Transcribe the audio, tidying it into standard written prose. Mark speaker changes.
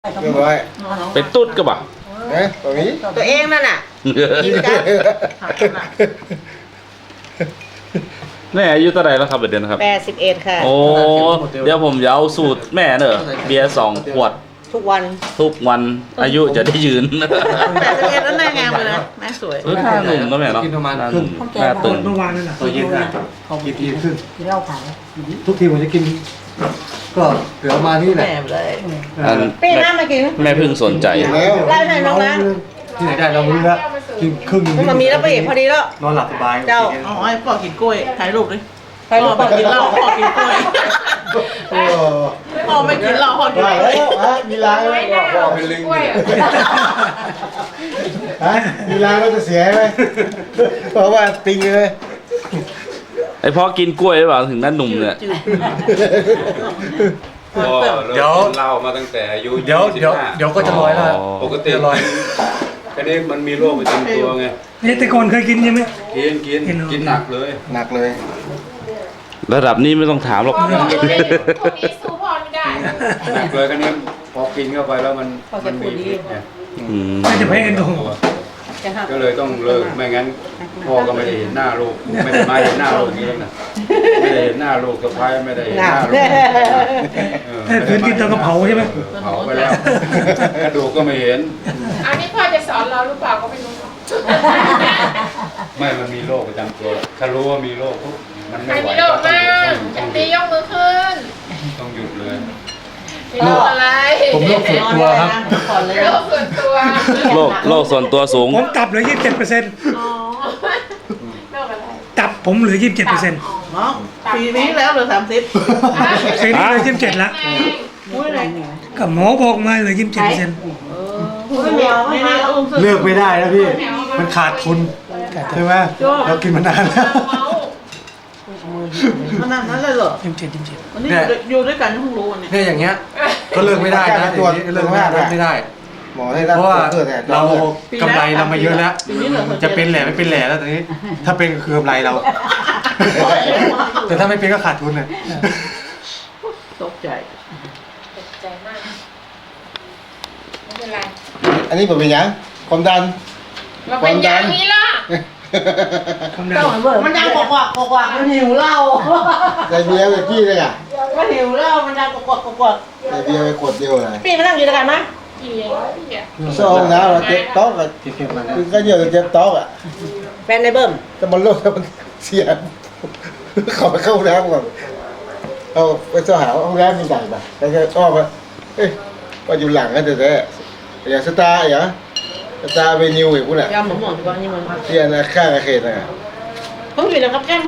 Speaker 1: เรียบร้อย
Speaker 2: เป็นตุ๊ดก็บ่ะ
Speaker 1: นะตรงนี้
Speaker 3: ตัวเองนั่นน่ะกินกัน
Speaker 2: แม่อายุเท่าไหร่แล้วครับเดือนครับ
Speaker 3: 81ค่ะ
Speaker 2: โอ้เดี๋ยวผมจะเอาสูตรแม่เนอะเบียร์2 ขวด
Speaker 3: ทุกวัน
Speaker 2: ทุกวันอายุจะได้ยืน
Speaker 3: 81แล้วหน้างามเลยนะแม่สวย
Speaker 2: หน้าหนุ่มนะแม่เนาะ
Speaker 4: กินประมาณ
Speaker 2: หน้าหนุ่มหน้าตึง
Speaker 4: เมื่อวานนั่นแหละตัวเย็นนะกินทีขึ้น
Speaker 5: กินเหล้าขาว
Speaker 4: ทุกทีผมจะกิน ก็เหลือมานี่แหละ
Speaker 3: แม่เลย
Speaker 2: อัน
Speaker 3: ปีน้ำมากิน
Speaker 2: แม่เพิ่งสนใจ
Speaker 1: แล้ว
Speaker 3: ไล่ให้น้องนะ
Speaker 4: ที่ไหนได้เราไม่รู้แล้วกินครึ่งนึง
Speaker 3: มันมีแล้วไปอีกพอดีแล้ว
Speaker 4: นอนหลับสบาย
Speaker 3: เจ้า
Speaker 6: อ๋อไอ้พ่อกินกล้วยถ่ายรูปดิ
Speaker 3: ใครรู้
Speaker 6: พ่อกินเหล้าพ่อกินกล้วย
Speaker 1: โอ้
Speaker 6: พ่อไม่กินเหล้าพ่อกิน
Speaker 1: ได้
Speaker 6: กล้วย
Speaker 1: แล้วฮะมีล้างไหมบอกเป็นลิงฮะมีล้างแล้วจะเสียไหมเพราะว่าติงเลย
Speaker 2: ไอพ่อกินกล้วยหรือเปล่าถึงหน้าหนุ่มเนี่ย
Speaker 7: ก็เริ่มกินเหล้ามาตั้งแต่อายุ
Speaker 4: เดี๋ยวก็จะลอยแล้ว
Speaker 7: ปกติ
Speaker 4: จะลอย
Speaker 7: แค่นี้มันมีโรคประจำตัวไง
Speaker 5: นี่แต่ก่อนเคยกินใช่ไหม
Speaker 7: กินหนักเลย
Speaker 1: หนักเลย
Speaker 2: ระดับนี้ไม่ต้องถามหรอก
Speaker 8: พวกนี้สู้พ่อไม่ได้
Speaker 7: หนักเลยแค่นี้พอกินเข้าไปแล้วมันมีพิษไง
Speaker 2: อืม
Speaker 5: ไม่จะแพ้กันตรง
Speaker 7: ก็เลยต้องเลิกไม่งั้นพ่อก็ไม่ได้เห็นหน้าลูกไม่ได้มาเห็นหน้าลูกนี้แล้วนะไม่ได้เห็นหน้าลูกสะพ้ายไม่ได้เห็นหน้าลูก
Speaker 5: ถ้าคืนกินตอนกระเผาใช่ไหม
Speaker 7: เผาไปแล้วกระดูกก็ไม่เห็น
Speaker 8: อันนี้พ่อจะสอนเราหรือเปล่าก็ไม่รู้
Speaker 7: ไม่มันมีโรคประจำตัวถ้ารู้ว่ามีโรคปุ๊บมัน
Speaker 8: ใค
Speaker 7: ไม่
Speaker 8: ร
Speaker 7: ไหว
Speaker 8: มีโรคมากจะตียกมือขึ้น
Speaker 7: ต้องหยุดเลย
Speaker 8: มีโรคอะไร
Speaker 4: ผมโรคส่วนตัวครับ
Speaker 8: โรคส่วนตัว
Speaker 2: โลกส่วนตัวสูง
Speaker 5: ผมตับเหลือ 27%
Speaker 8: อ๋อโรคอะไร
Speaker 5: ตับผมเหลือ 27%
Speaker 6: น้องปีนี้แล้วเหลือ30
Speaker 5: ปีนี้เหลือ27แล้ว
Speaker 6: อุ้ยอะไร
Speaker 5: ก็หมอบอกมาเหลือ 27%
Speaker 3: ไม่มีเอาไม่
Speaker 6: ไม่
Speaker 3: มี
Speaker 6: ได้
Speaker 3: เอา
Speaker 6: อุ้ม
Speaker 4: เลือกไม่ได้นะพี่ มันขาดทุนใช่ไหมเรากินมานานแล้ว
Speaker 8: เมา
Speaker 6: ขนาดนั้นเลยเหรอ
Speaker 5: 27
Speaker 6: วันนี้อยู่ด้วยกันเพิ่งรู้วันนี้
Speaker 4: เนี่ยอย่างเงี้ย ก็เลิกไม่ได้นะอย่างนี้เลิกไม่ได้
Speaker 1: หมอให้รับ
Speaker 4: เพราะว่า
Speaker 1: เพื่อแต่
Speaker 4: เรากำไรเรามาเยอะแล้ว
Speaker 6: ปีนี้เหลือ
Speaker 4: จะเป็นแหล่ไม่เป็นแหล่แล้วตอนนี้ ถ้าเป็นก็คือกำไรเรา แต่ถ้าไม่เป็นก็ขาดทุนเลย
Speaker 6: ตกใจ
Speaker 8: ตกใจมากไม่เป็นไร
Speaker 1: อันนี้ผมเป็นยังความดัน
Speaker 8: เราเป็นอย่างนี้ล่ะ
Speaker 3: มันดังกว่ากว่ามันหิวเหล้า
Speaker 1: ใส่เบียร์ไปพี่เลยอ่ะ
Speaker 3: มันหิวเหล้ามันดังกว่า
Speaker 1: ใส่เบียร์ไปขวดเดียวเลย
Speaker 3: ปีมานั่งอยู่ด้วยกันมั้ย
Speaker 8: กี่พี่อ่ะ
Speaker 1: โซ่ห้องน้ำเราเจ็บโต๊ะอ่ะคือก็เยอะเจ็บโต๊ะอ่ะ
Speaker 3: แฟนในเบิ้ม
Speaker 1: แต่มันโลกมันเสียขอไปเข้าห้องน้ำก่อนเอาไปสหาห้องน้ำมีใหญ่ป่ะแล้วก็อ้อมมาเอ้ยว่าอยู่หลังกันแต่อย่างสตาร์อย่างสตาร์เวนิวอีกคุณอ่ะ
Speaker 3: ยำหมูหมอนก่อนนี่มัน
Speaker 1: ที่อันนั้นข้างอาเขตอ่ะ
Speaker 3: ผมอยู่นะครับแก้ม